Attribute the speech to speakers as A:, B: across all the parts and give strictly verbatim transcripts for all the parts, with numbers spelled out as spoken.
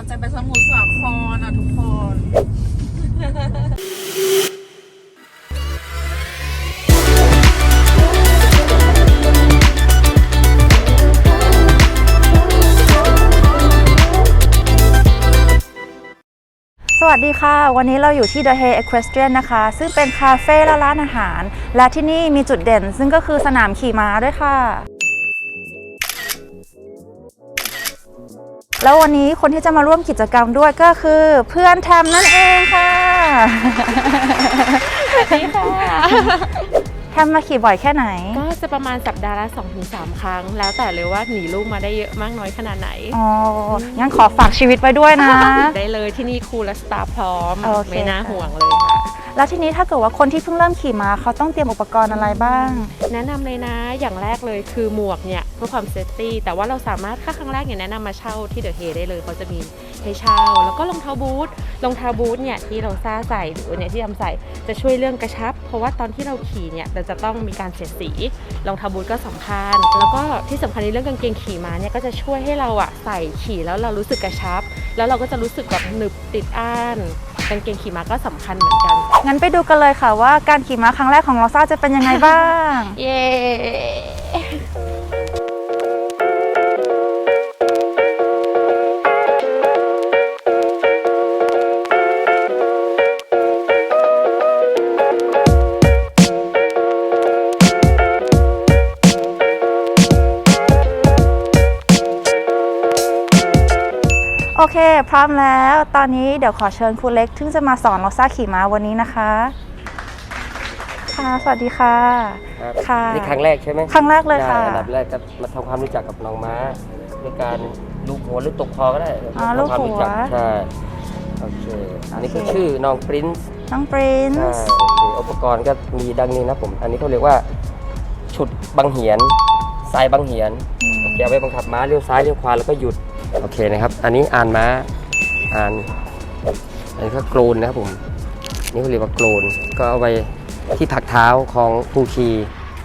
A: จะไปสมุทรสาครอ่ะทุกคน
B: สวัสดีค่ะวันนี้เราอยู่ที่ The Hay Equestrian นะคะซึ่งเป็นคาเฟ่และร้านอาหารและที่นี่มีจุดเด่นซึ่งก็คือสนามขี่ม้าด้วยค่ะแล้ววันนี้คนที่จะมาร่วมกิจกรรมด้วยก็คือเพื่อนแทมนั่นเองค่ะสวัสดีค่ะแทมมาขี่บ่อยแค่ไหน
C: ก็จะประมาณสัปดาห์ละ สองถึงสาม ครั้งแล้วแต่เลยว่าหนีลูกมาได้เยอะมากน้อยขนาดไหน
B: อ๋องั้นขอฝากชีวิตไว้ด้วยนะ
C: ได้เลยที่นี่ครูและสตาฟพร้อม
B: okay.
C: ไม่น่าห่วงเลยค่ะ
B: แล้วทีนี้ถ้าเกิดว่าคนที่เพิ่งเริ่มขี่ม้าเขาต้องเตรียมอุปกรณ์อะไรบ้าง
C: แนะนำเลยนะอย่างแรกเลยคือหมวกเนี่ยเพื่อความเซฟตี้แต่ว่าเราสามารถค่าครั้งแรกเนี่ยแนะนำมาเช่าที่เดอะเฮได้เลยเขาจะมีให้เช่าแล้วก็รองเท้าบูทรองเท้าบูทเนี่ยที่เราซ่าใส่หรือเนี่ยที่ทำใส่จะช่วยเรื่องกระชับเพราะว่าตอนที่เราขี่เนี่ยเราจะต้องมีการเสียดสีรองเท้าบูทก็สำคัญแล้วก็ที่สำคัญในเรื่องกางเกงขี่ม้าเนี่ยก็จะช่วยให้เราอะใส่ขี่แล้วเรารู้สึกกระชับแล้วเราก็จะรู้สึกแบบหนึบติดอ้านกางเกงขี่ม้าก็สำคัญเหมือนกัน
B: งั้นไปดูกันเลยค่ะว่าการขี่ม้าครั้งแรกของเราซ่าจะเป็นยังไงบ้าง
C: เย้
B: โอเคพร้อมแล้วตอนนี้เดี๋ยวขอเชิญครูเล็กซึ่งจะมาสอนเราซ่าขี่ม้าวันนี้นะคะค่ะสวัสดีค่ะ
D: ค่ะนี่ครั้งแรกใช่ไหม
B: ครั้งแรกเลยค่ะ
D: อันดับแรกก็มาทำความรู้จักกับน้องม้าด้วยการลูบหัวหรือตกคอก็ได้
B: อ๋อลูบหัว
D: ใช่โอเคอันนี้ก็ชื่อน้องปรินซ์
B: น้องปรินซ์
D: ใช่โอเคอุปกรณ์ก็มีดังนี้นะผมอันนี้เขาเรียกว่าฉุดบังเหียนสายบังเหียนเกี่ยวไว้บังคับม้าเลี้ยวซ้ายเลี้ยวขวาแล้วก็หยุดโอเคนะครับอันนี้อ่านม้าอ่านอันนี้ก็โกลนนะครับผมนี่เขาเรียกว่าโกลนก็เอาไว้ที่ผักเท้าของผู้ขี่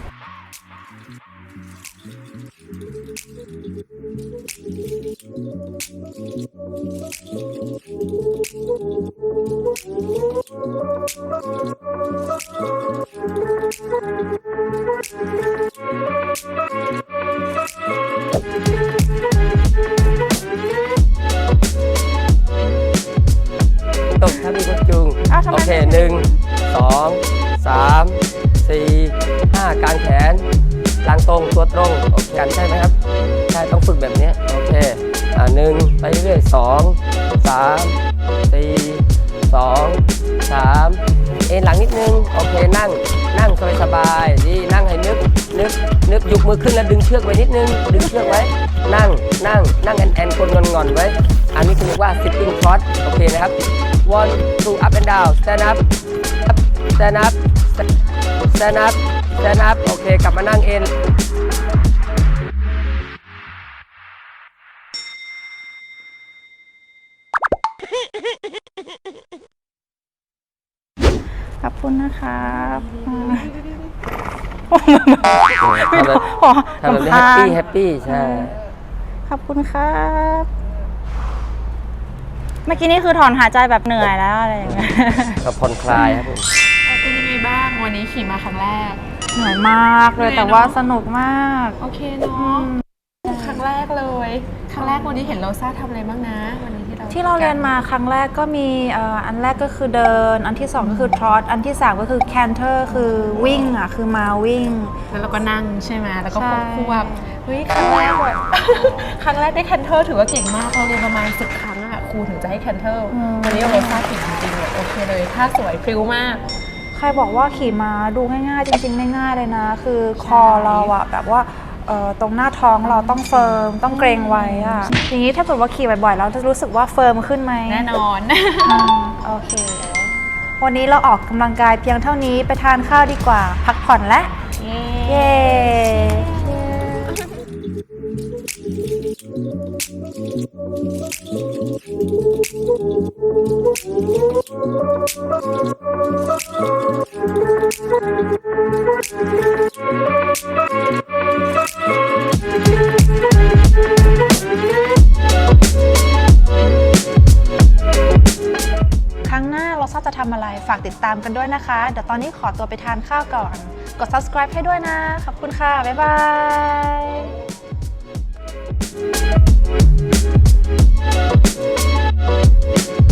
D: ตกถ้ามีคนจูงโอเคหนึ่งสองสามสี่ห้ากางแขนหลังตรงตัวตรงโอเคกันใช่ไหมครับใช่ต้องฝึกแบบนี้โอเคอ่าหนึ่งไปเรื่อยสองสามสี่สองสามเอ็นหลังนิดนึงโอเคนั่งนั่งสบายๆดีนั่งให้นึกนึกนึกยกมือขึ้นแล้วดึงเชือกไว้นิดนึงดึงเชือกไว้นั่งนั่งนั่งแอนแอนคนงอนๆไว้อันนี้คือเรียกว่า sitting trot โอเคนะครับ one two up and down stand up stand up stand up stand up โอเคกลับมานั่งเอ็น
B: ขอบคุณนะครับ
D: ทำแบบนี้แฮปปี้แฮปปี้ใช่
B: ขอบคุณครับเมื่อกี้นี่คือถอนหายใจแบบเหนื่อยแล้วอะไรอย่างเงี้ย
D: ก็ผ่อนคลายครับผม
A: เป็นยังไงบ้างวันนี้ขี่มาครั้งแรก
B: เหนื่อยมากเลยแต่ว่าสนุกมาก
A: โอเคเนาะครั้งแรกเลยครั้งแรกวันนี้เห็นเราซ่าทำอะไรบ้างนะวันนี้ที่เรา
B: ที่เราเรียนมาครั้งแรกก็มีอันแรกก็คือเดินอันที่สองก็คือทรอตอันที่สามก็คือแคนเทอร์คือวิ่งอ่ะคือมาวิ่ง
A: แล้วเราก็นั่งใช่ไหมแล้วก็ควบเฮ้ยครั้งแรกแบบครั้งแรกได้แคนเทอร์ถือว่าเก่งมากเราเรียนประมาณสิบครั้งอ่ะครูถึงจะให้แคนเทอร์วันนี้เราซ่าเก่งจริงๆเลยโอเคเลยท่าสวยพริ้วมาก
B: ใครบอกว่าขี่ม้าดูง่ายๆจริงๆไม่ง่ายเลยนะคือคอเราอะแบบว่าตรงหน้าท้องเราต้องเฟิร์มต้องเกรงไว้อะอย่างนี้ถ้าเกิดว่าขี่บ่อยๆเราจะรู้สึกว่าเฟิร์มขึ้นไหม
A: แน่นอน
B: โอเควันนี้เราออกกำลังกายเพียงเท่านี้ไปทานข้าวดีกว่าพักผ่อนและเย้ฝากติดตามกันด้วยนะคะ เดี๋ยวตอนนี้ขอตัวไปทานข้าวก่อน กด subscribe ให้ด้วยนะ ขอบคุณค่ะ บ๊ายบาย